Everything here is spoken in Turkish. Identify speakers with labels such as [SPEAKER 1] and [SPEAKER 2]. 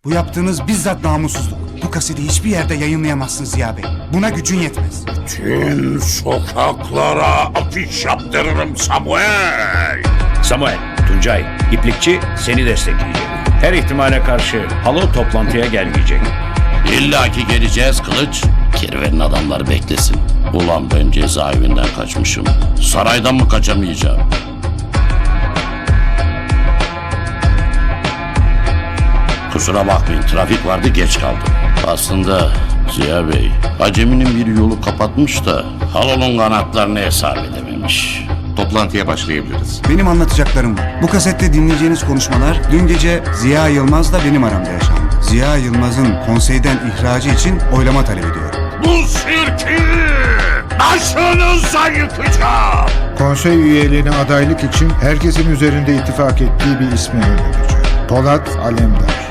[SPEAKER 1] Bu yaptığınız bizzat namussuzluk. Bu kaseti hiçbir yerde yayınlayamazsınız Ziya Bey. Buna gücün yetmez.
[SPEAKER 2] Tüm sokaklara afiş yaptırırım Samuel.
[SPEAKER 3] Samuel, Tuncay, İplikçi seni destekleyecek. Her ihtimale karşı Halo toplantıya gelmeyecek.
[SPEAKER 2] İlla ki geleceğiz Kılıç. Kirvenin adamları beklesin. Ulan ben cezaevinden kaçmışım. Saraydan mı kaçamayacağım? Kusura bakmayın, trafik vardı, geç kaldım. Aslında Ziya Bey, Acemi'nin bir yolu kapatmış da Halo'nun kanatlarını hesap edememiş.
[SPEAKER 4] Toplantıya başlayabiliriz.
[SPEAKER 1] Benim anlatacaklarım var. Bu kasette dinleyeceğiniz konuşmalar dün gece Ziya Yılmaz'la benim aramda yaşandı. Ziya Yılmaz'ın konseyden ihracı için oylama talep ediyorum.
[SPEAKER 2] Bu sirki başınıza yıkacağım.
[SPEAKER 5] Konsey üyeliğine adaylık için herkesin üzerinde ittifak ettiği bir ismi önereceğim. Polat Alemdar.